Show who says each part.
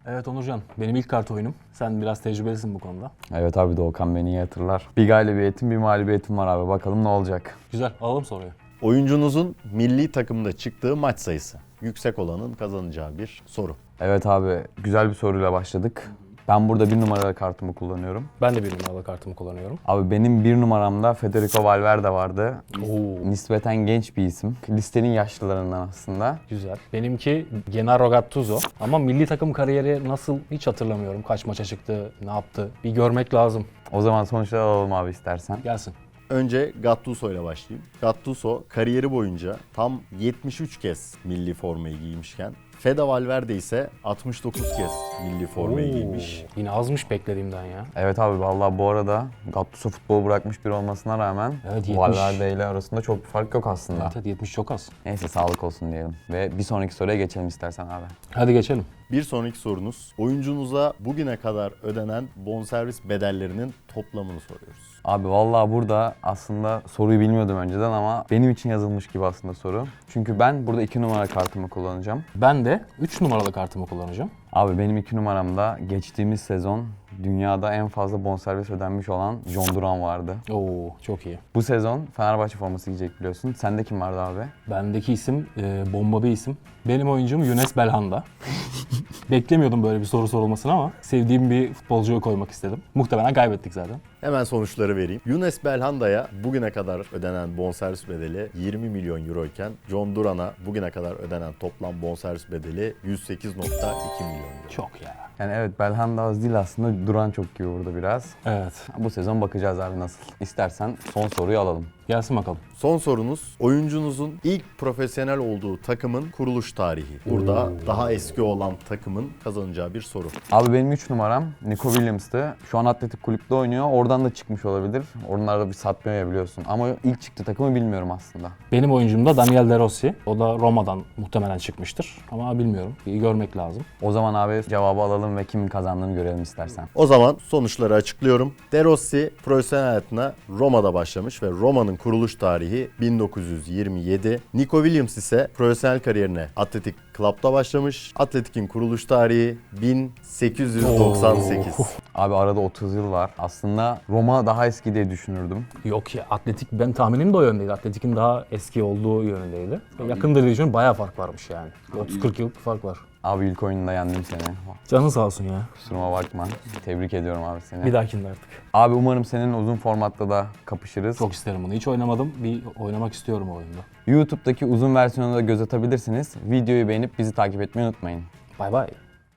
Speaker 1: Evet Onurcan, benim ilk kart oyunum. Sen biraz tecrübelisin bu konuda.
Speaker 2: Evet abi, Doğukan beni iyi hatırlar. Bir galibiyetim, bir mağlubiyetim var abi. Bakalım ne olacak?
Speaker 1: Güzel, alalım soruyu.
Speaker 3: Oyuncunuzun milli takımda çıktığı maç sayısı. Yüksek olanın kazanacağı bir soru.
Speaker 2: Evet abi, güzel bir soruyla başladık. Ben burada 1 numaralı kartımı kullanıyorum.
Speaker 1: Ben de bir numaralı kartımı kullanıyorum.
Speaker 2: Abi benim 1 numaramda Federico Valverde vardı.
Speaker 1: Oo,
Speaker 2: Nispeten genç bir isim. Listenin yaşlılarından aslında.
Speaker 1: güzel. Benimki Gennaro Gattuso. Ama milli takım kariyeri nasıl hiç hatırlamıyorum. Kaç maça çıktı, ne yaptı? Bir görmek lazım.
Speaker 2: O zaman sonuçları alalım abi istersen.
Speaker 1: Gelsin.
Speaker 3: Önce Gattuso ile başlayayım. Gattuso kariyeri boyunca tam 73 kez milli formayı giymişken Fede Valverde ise 69 kez milli formayı giymiş.
Speaker 1: Yine azmış beklediğimden ya.
Speaker 2: Evet abi, vallahi bu arada Gattuso futbolu bırakmış biri olmasına rağmen
Speaker 1: Evet, 70.
Speaker 2: Valverde ile arasında çok bir fark yok aslında.
Speaker 1: Evet, evet 70 çok az.
Speaker 2: Neyse, sağlık olsun diyelim. Ve bir sonraki soruya geçelim istersen abi.
Speaker 1: Hadi geçelim.
Speaker 3: Bir sonraki sorunuz, oyuncunuza bugüne kadar ödenen bonservis bedellerinin toplamını soruyoruz.
Speaker 2: Abi vallahi burada aslında soruyu bilmiyordum önceden ama benim için yazılmış gibi aslında soru. Çünkü ben burada 2 numara kartımı kullanacağım.
Speaker 1: Ben de 3 numaralı kartımı kullanacağım.
Speaker 2: Abi benim 2 numaramda geçtiğimiz sezon dünyada en fazla bonservis ödenmiş olan John Duran vardı.
Speaker 1: Oo, çok iyi.
Speaker 2: Bu sezon Fenerbahçe forması giyecek biliyorsun. Sende kim vardı abi?
Speaker 1: Bendeki isim bomba bir isim. Benim oyuncum Younes Belhanda. Beklemiyordum böyle bir soru sorulmasını ama sevdiğim bir futbolcuyu koymak istedim. Muhtemelen kaybettik zaten.
Speaker 3: Hemen sonuçları vereyim. Younes Belhanda'ya bugüne kadar ödenen bonservis bedeli 20 milyon euro iken John Duran'a bugüne kadar ödenen toplam bonservis bedeli 108.2 milyon euro.
Speaker 1: Çok ya.
Speaker 2: Yani evet, Belhanda az değil aslında, Duran çok gibi burada biraz.
Speaker 1: Evet.
Speaker 2: Bu sezon bakacağız abi nasıl. İstersen son soruyu alalım.
Speaker 1: Gelsin bakalım.
Speaker 3: Son sorunuz, oyuncunuzun ilk profesyonel olduğu takımın kuruluş tarihi. Burada daha eski olan takımın kazanacağı bir soru.
Speaker 2: Abi benim 3 numaram Nico Williams'tı. Şu an Atletik Kulüp'te oynuyor. Oradan da çıkmış olabilir. Onlarda bir satmıyor ya biliyorsun. Ama ilk çıktığı takımı bilmiyorum aslında.
Speaker 1: Benim oyuncum da Daniel De Rossi. O da Roma'dan muhtemelen çıkmıştır. Ama bilmiyorum. Bir görmek lazım.
Speaker 2: O zaman abi cevabı alalım ve kimin kazandığını görelim istersen.
Speaker 3: O zaman sonuçları açıklıyorum. De Rossi profesyonel hayatına Roma'da başlamış ve Roma'nın kuruluş tarihi 1927. Nico Williams ise profesyonel kariyerine Atletik Club'da başlamış. Atletik'in kuruluş tarihi 1898.
Speaker 2: Abi arada 30 yıl var. Aslında Roma daha eski diye düşünürdüm.
Speaker 1: Yok ya, Atletik, ben tahminim de o yöndeydi. Atletik'in daha eski olduğu yönündeydi. Yakındır diye düşünüyorum, bayağı fark varmış yani. 30-40 yıllık bir fark var.
Speaker 2: Abi ilk oyununda yendim seni.
Speaker 1: Canın sağ olsun ya.
Speaker 2: Kusuruma bakma. Tebrik ediyorum abi seni.
Speaker 1: Bir dahakinde artık.
Speaker 2: Abi umarım senin uzun formatta da kapışırız.
Speaker 1: Çok isterim bunu. Hiç oynamadım. Bir oynamak istiyorum o oyunda.
Speaker 2: YouTube'daki uzun versiyonuna da göz atabilirsiniz. Videoyu beğenip bizi takip etmeyi unutmayın.
Speaker 1: Bay bay.